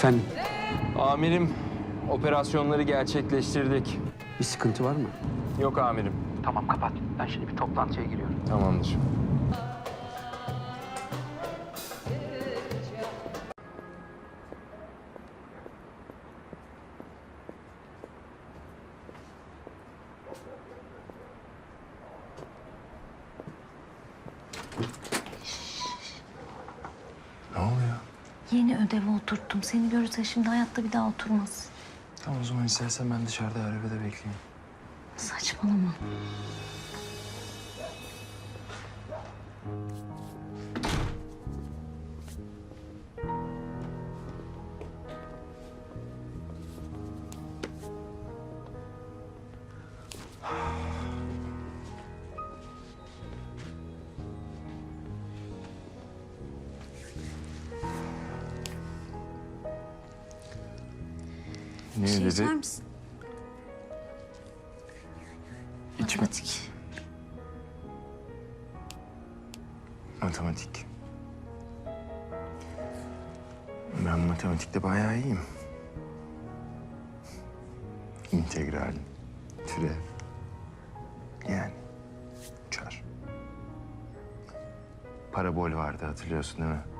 Efendim, Amirim, operasyonları gerçekleştirdik. bir sıkıntı var mı? Yok amirim. Tamam, kapat. Ben şimdi bir toplantıya giriyorum. Tamamdır. Ne oluyor? Yeni ödevi oturttum. Seni görürse şimdi hayatta bir daha oturmaz. Tamam o zaman istersen ben dışarıda arabada bekleyeyim. Saçmalama. Ne Bir şey dedi? içer misin? İçme. Matematik. Matematik. Ben matematikte bayağı iyiyim. İntegral, türev. Yani çar. Parabol vardı hatırlıyorsun değil mi?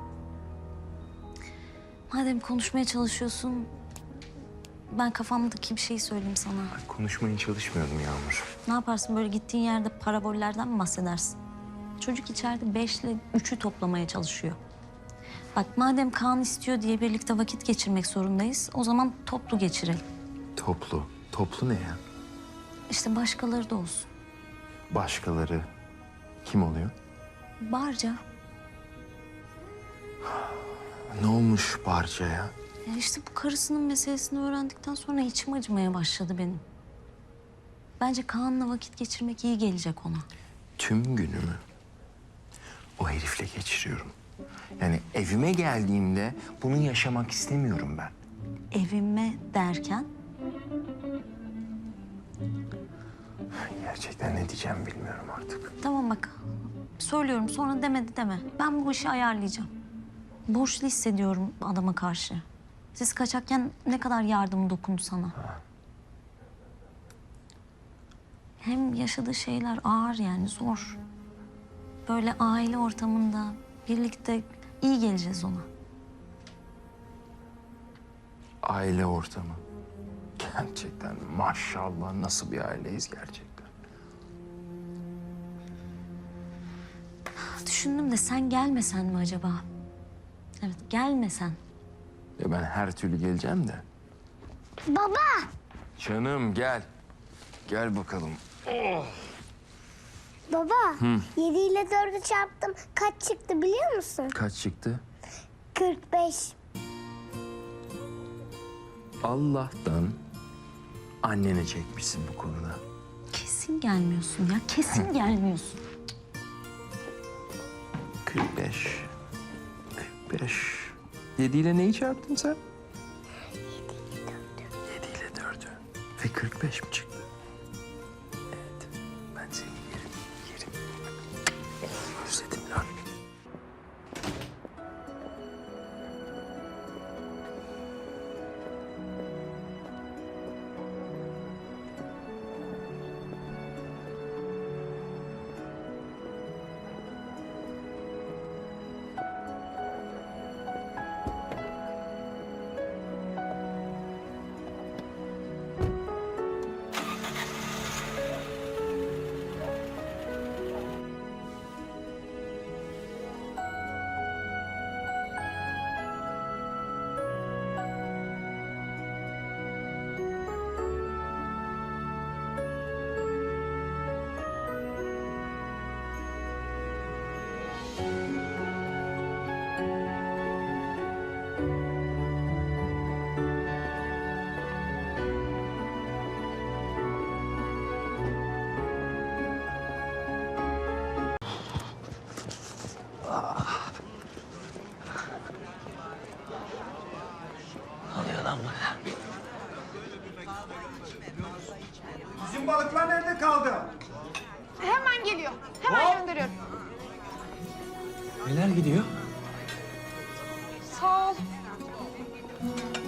Madem konuşmaya çalışıyorsun, ben kafamdaki bir şey söyleyeyim sana. Konuşmaya çalışmıyordum Yağmur. Ne yaparsın böyle gittiğin yerde parabollerden mi bahsedersin? Çocuk içeride 5 ile 3'ü toplamaya çalışıyor. Bak madem Kaan istiyor diye birlikte vakit geçirmek zorundayız, o zaman toplu geçirelim. Toplu. Toplu ne ya? İşte başkaları da olsun. Başkaları kim oluyor? Barca. Ne olmuş Barca'ya? Ya işte bu karısının meselesini öğrendikten sonra içim acımaya başladı benim. Bence Kaan'la vakit geçirmek iyi gelecek ona. Tüm günümü o herifle geçiriyorum. Yani evime geldiğimde bunu yaşamak istemiyorum ben. Evime derken Gerçekten ne diyeceğim bilmiyorum artık. tamam bak söylüyorum sonra demedi deme. Ben bu işi ayarlayacağım. Borçlu hissediyorum adama karşı. Siz kaçakken ne kadar yardım dokundu sana. Hem yaşadığı şeyler ağır yani zor. Böyle aile ortamında birlikte iyi geleceğiz ona. Aile ortamı. Gerçekten maşallah nasıl bir aileyiz gerçekten. Düşündüm de sen gelmesen mi acaba? Evet gelmesen. Ya ben her türlü geleceğim de. Baba, Canım gel. Gel bakalım. baba. 7 ile 4'ü çarptım. Kaç çıktı biliyor musun? Kaç çıktı? 45. Allah'tan annene çekmişsin bu konuda. Kesin gelmiyorsun ya kesin gelmiyorsun. 45. 45. 7 ile neyi çarptın sen? 7 ile 4'ü. Ve 45 mi çıktı? Evet. Ben seni yerim. Özledim lan. Bizim balıklar nerede kaldı? Hemen geliyor. Hemen gönderiyorum. Neler gidiyor? Sağ ol.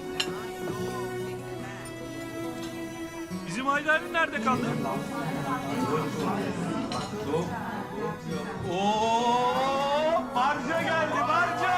Haydari nerede kaldı? Oo, barca geldi, barca.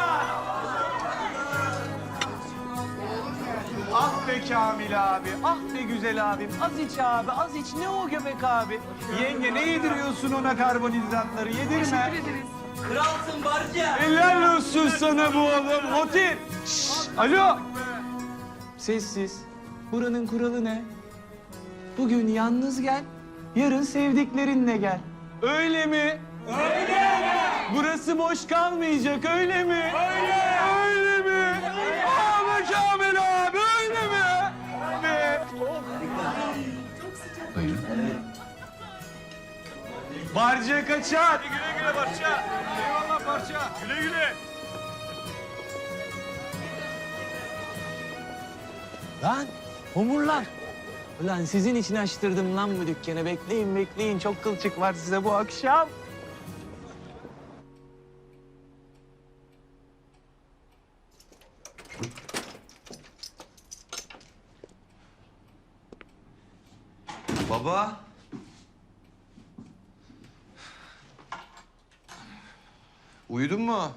Ah be Kamil abi, ah be güzel abim. Az iç abi, az iç. Ne o göbek abi? Yenge ne yediriyorsun ona karbonhidratları? Yedirme. Kralsın barca. Helal olsun sana bu oğlum. Motif. Şşş, alo. Sessiz. Buranın kuralı ne? Bugün yalnız gel, yarın sevdiklerinle gel. Öyle mi? Öyle. Burası boş kalmayacak, öyle mi? Öyle. Öyle mi? Abi Kamil abi, öyle mi? Ve... Buyurun. Barca kaçar. Güle güle Barca. Eyvallah Barca. Güle güle. Lan homurlar. Ulan sizin için açtırdım lan bu dükkanı. Bekleyin bekleyin. Çok kılçık var size bu akşam. Baba. Uyudun mu?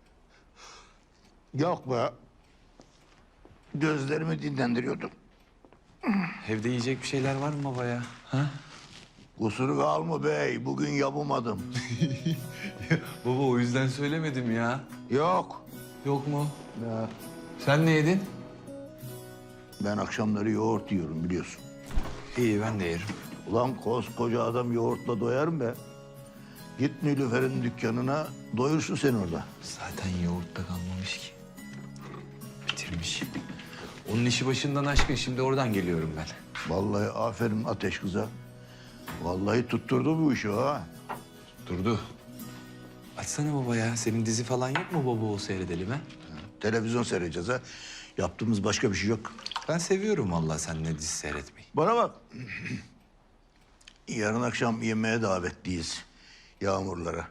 Yok be. Gözlerimi dinlendiriyordum. Evde yiyecek bir şeyler var mı baba ya? Ha? Kusuru kalma bey, bugün yapamadım. Baba o yüzden söylemedim ya. Yok. Yok mu? Ya, Sen ne yedin? ben akşamları yoğurt yiyorum biliyorsun. İyi ben de yerim. Ulan koskoca adam yoğurtla doyar mı be? Git Nilüfer'in dükkanına, doyursun sen orada. Zaten yoğurtta kalmamış ki. Bitirmiş. Onun işi başından aşkın. Şimdi oradan geliyorum ben. Vallahi aferin Ateş kıza. Vallahi tutturdu bu işi ha. Durdu. Açsana baba ya. Senin dizi falan yok mu baba o seyredelim ha? Televizyon seyredeceğiz ha. Yaptığımız başka bir şey yok. Ben seviyorum vallahi seninle dizi seyretmeyi. Bana bak. Yarın akşam yemeğe davetliyiz. Yağmurlara.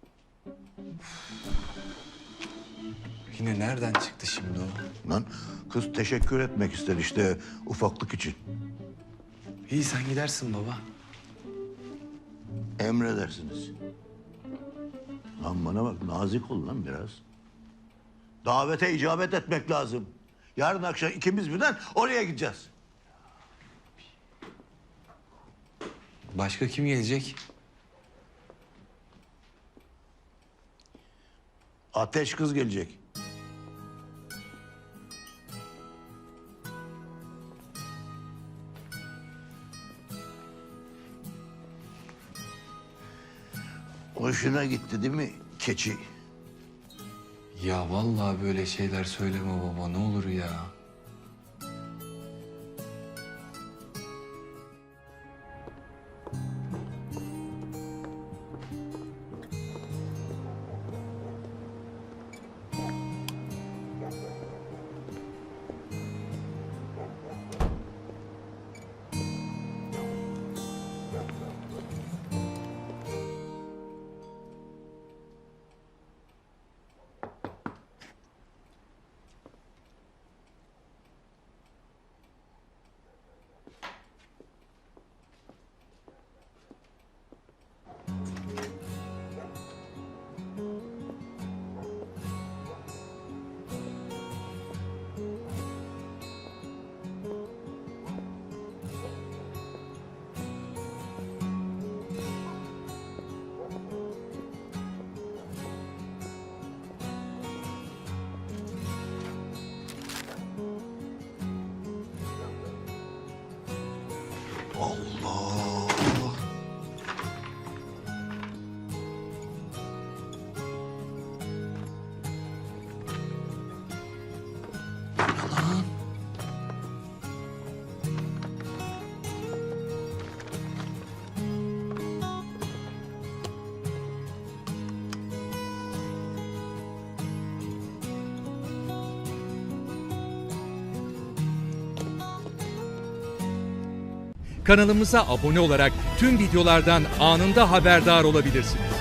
Yine nereden çıktı şimdi o? Lan kız teşekkür etmek ister işte ufaklık için. İyi sen gidersin baba. Emredersiniz. Lan bana bak nazik ol lan biraz. Davete icabet etmek lazım. Yarın akşam ikimiz birden oraya gideceğiz. Başka kim gelecek? Ateş kız gelecek. Hoşuna gitti değil mi keçi? Ya vallahi böyle şeyler söyleme baba ne olur ya. Allah! Kanalımıza abone olarak tüm videolardan anında haberdar olabilirsiniz.